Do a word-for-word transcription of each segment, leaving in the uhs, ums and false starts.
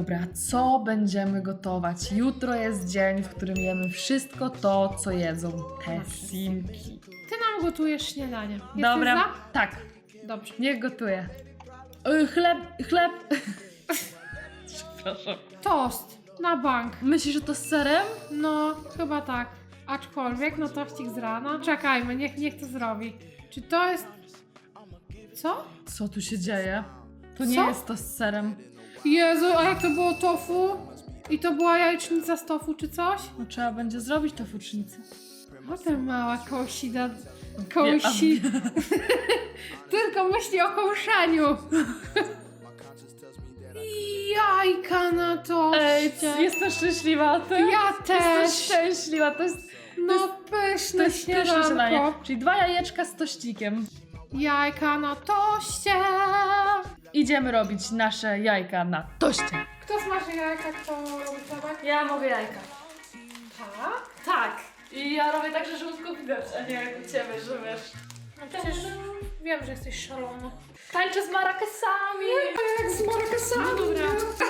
Dobra, co będziemy gotować? Jutro jest dzień, w którym jemy wszystko to, co jedzą te simki. Ty nam gotujesz śniadanie. Jesteś Dobra, za? tak, Dobrze. niech gotuje. Y, Chleb, chleb. Przepraszam. Tost na bank. Myślisz, że to z serem? No, chyba tak. Aczkolwiek, no tościk z rana. Czekajmy, niech, niech to zrobi. Czy to jest... Co? Co tu się dzieje? To nie Co? jest to z serem. Jezu, a jak to było tofu? I to była jajecznica z tofu czy coś? No trzeba będzie zrobić to fucznicę. O, ta mała kołsida. Kołsi. Tylko myśli o kołszaniu. Jajka na Ej, toście. jestem szczęśliwa. Ty? Ja Jestem też. szczęśliwa. To jest, No to pyszne jest pyszne śniadanie. śniadanko. Czyli dwa jajeczka z tościkiem. Jajka na toście. Idziemy robić nasze jajka na toście. Kto smaży jajka, kto robi chlebek? Ja mogę jajka. Tak. Tak. I ja robię tak, że żółtko widać, a nie jak u ciebie, że wiesz. No przecież wiem, że jesteś szalony. Tańczę z marakesami. Jak z marakasami. No dobra.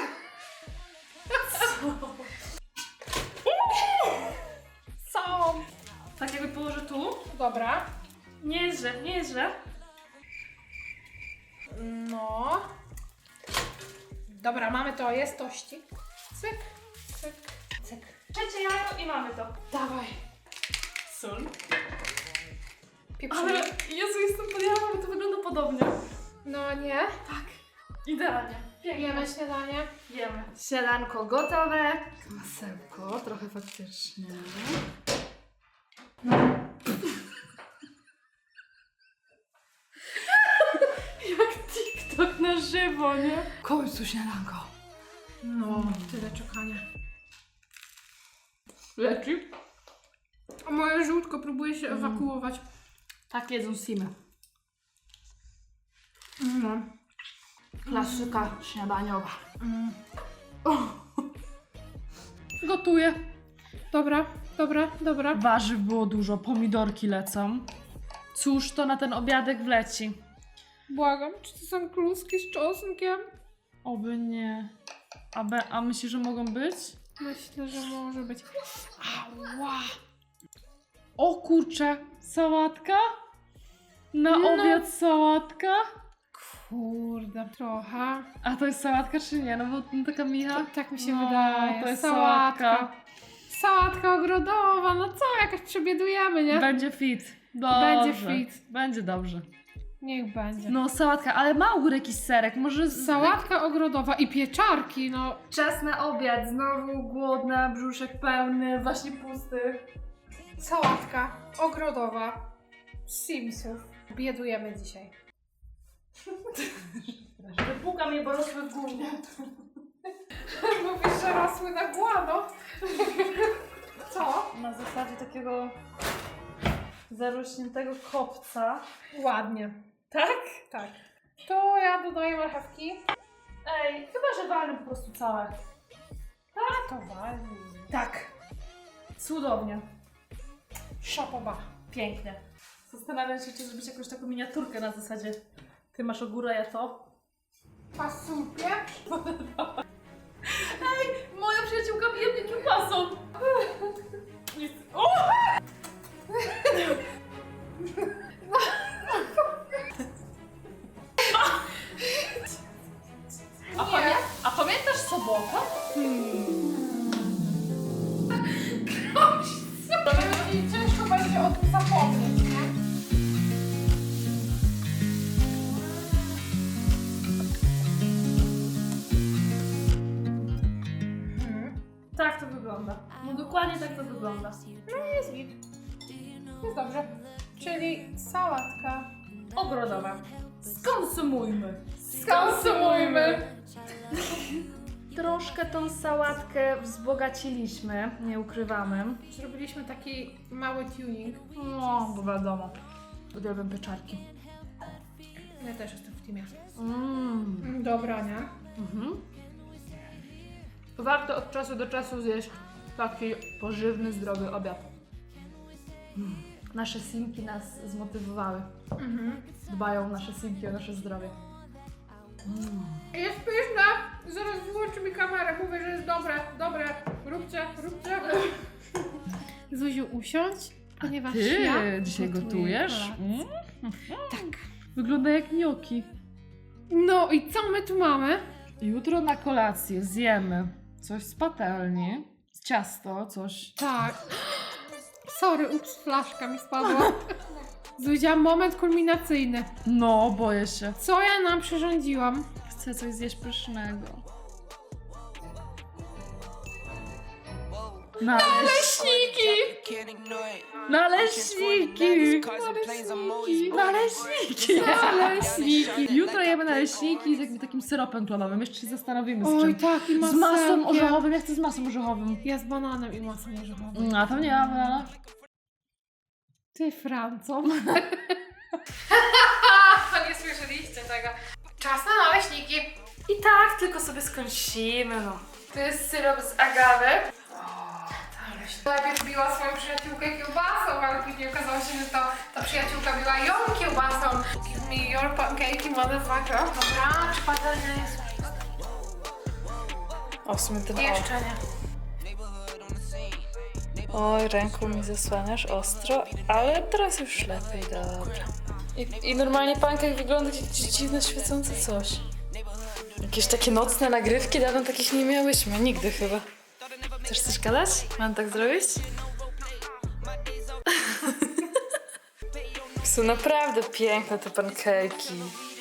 Co? Tak jakby położę tu. Dobra. Nie jest źle, nie jest źle. No. Dobra, mamy to, jest tości. Cyk, cyk, cyk. Trzecie jajo i mamy to. Dawaj. Sól. Pieprzymy. Ale Jezu, jestem podjęła, bo to wygląda podobnie. No nie. Tak. Idealnie. Jemy śniadanie. Jemy. Śniadanko gotowe. Masełko, trochę faktycznie. No. Jak TikTok na żywo, nie? W końcu śniadanko. No, tyle czekania. Leci? A moje żółtko próbuje się Mm. ewakuować. Tak jedzą simy. No. Klasyka śniadaniowa. Mm. Gotuję. Dobra, dobra, dobra. Warzyw było dużo, pomidorki lecą. Cóż to na ten obiadek wleci? Błagam, czy to są kluski z czosnkiem? Oby nie. A, be, a myślisz, że mogą być? Myślę, że może być. Ała! O kurczę, sałatka? Na No. obiad sałatka? Kurde, trochę. A to jest sałatka czy nie? No bo no, taka micha. To, tak mi się No, wydaje. to jest sałatka. sałatka. Sałatka ogrodowa, no co, jakoś przebiedujemy, nie? Będzie fit. Dobrze. Będzie fit. Będzie dobrze. Niech będzie. No sałatka, ale ma u góry jakiś serek, może... z- Sałatka ogrodowa i pieczarki, no. Czas na obiad, znowu głodna, brzuszek pełny, właśnie pusty. Sałatka ogrodowa z Simsów. Biedujemy dzisiaj. Wypuka mnie, bo rosły w górnie. Mówisz, że rosły na głano. Co? Na zasadzie takiego zarośniętego kopca. Ładnie. Tak? Tak. To ja dodaję marchewki. Ej, chyba, że walnę po prostu całe. A to walni. Tak. Cudownie. Szapoba. Pięknie. Zastanawiam się, czy zrobić jakąś taką miniaturkę na zasadzie ty masz ogórę, ja to. Pasupie. Ej, moja przyjaciółka bije mnie kiełbasą. Jest... O! A, pamię a pamiętasz sobotę? I ciężko będzie o tym zapomnieć, nie? Mhm. Tak to wygląda. No dokładnie tak to wygląda. No jest git. Jest dobrze. Czyli sałatka. Ogrodowa. Skonsumujmy. Skonsumujmy. Troszkę tą sałatkę wzbogaciliśmy, nie ukrywamy. Zrobiliśmy taki mały tuning. No, bo wiadomo. Uwielbiam pieczarki. Ja też jestem w teamie. Mm. Mm, Dobra, nie? Mhm. Warto od czasu do czasu zjeść taki pożywny, zdrowy obiad. Mm. Nasze simki nas zmotywowały. Mhm. Dbają nasze simki o nasze zdrowie. Jest pyszne! Zaraz wyłączy mi kamerę, mówię, że jest dobre, dobre. Róbcie, róbcie. Zuziu, usiądź, ponieważ Ty ja dzisiaj gotuję gotujesz? kolację. Mm? Tak. Wygląda jak gnocchi. No i co my tu mamy? Jutro na kolację zjemy coś z patelni, z ciasto, coś. Tak. Sorry, ups, flaszka mi spadła. Zuzia, moment kulminacyjny. No, boję się. Co ja nam przyrządziłam? Chcę coś zjeść pysznego. Naleśniki! Naleśniki! Naleśniki! Naleśniki! Jutro jemy naleśniki z jakimś takim syropem klonowym. Jeszcze się zastanowimy z Oj, czym. tak, i Z masłem masełkiem. orzechowym. Ja chcę z masłem orzechowym. Ja z bananem i masą orzechową. Mm, A tam nie ma banana. Ty, Franco. Nie słyszeliście tego. Czas na naleśniki. I tak, tylko sobie skąsimy, no. To jest syrop z agawy. Najpierw biła swoją przyjaciółkę kiełbasą, ale później okazało się, że to ta przyjaciółka biła ją kiełbasą. Give me your pancake, motherfucker. Dobra, czy patelnia jest? O, w sumie ten o. Jeszcze nie. Oj, ręką mi zasłaniasz ostro, ale teraz już lepiej, dobra. I, i normalnie pankek wygląda jak jakieś dziwne, świecące coś. Jakieś takie nocne nagrywki, dawno takich nie miałyśmy, nigdy chyba. Chcesz coś gadać? Mam tak zrobić? Są naprawdę piękne te pankejki.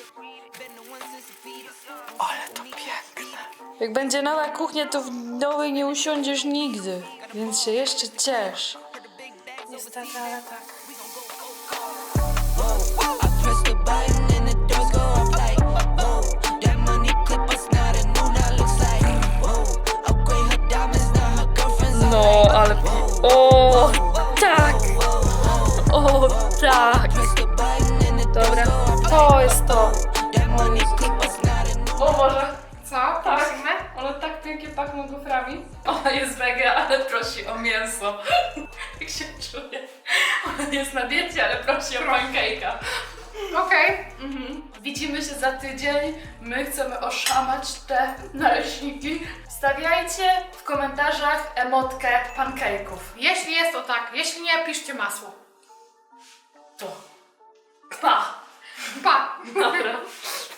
Ale to piękne. Jak będzie nowa kuchnia, to w nowej nie usiądziesz nigdy. Więc się jeszcze ciesz. Niestety, ale tak. Press the button and the doors go up like, whoa. That money clip us now, that new that looks like, whoa. Upgrade her diamonds, now her girlfriend's No, ale... O, tak! O, tak! Press the button and the doors Dobra, go up to jest to. That money clip us now, that new. O Boże, Co? Prosimy? one tak pięknie pachną goframi. Ona jest wege, ale prosi o mięso. Jak się czuje? Ona jest na diecie, ale prosi o pancake'a. Okej. Mhm. Widzimy się za tydzień. My chcemy oszamać te naleśniki. Stawiajcie w komentarzach emotkę pancake'ów. Jeśli jest, to tak. Jeśli nie, piszcie masło. To. Pa! Pa! Dobra.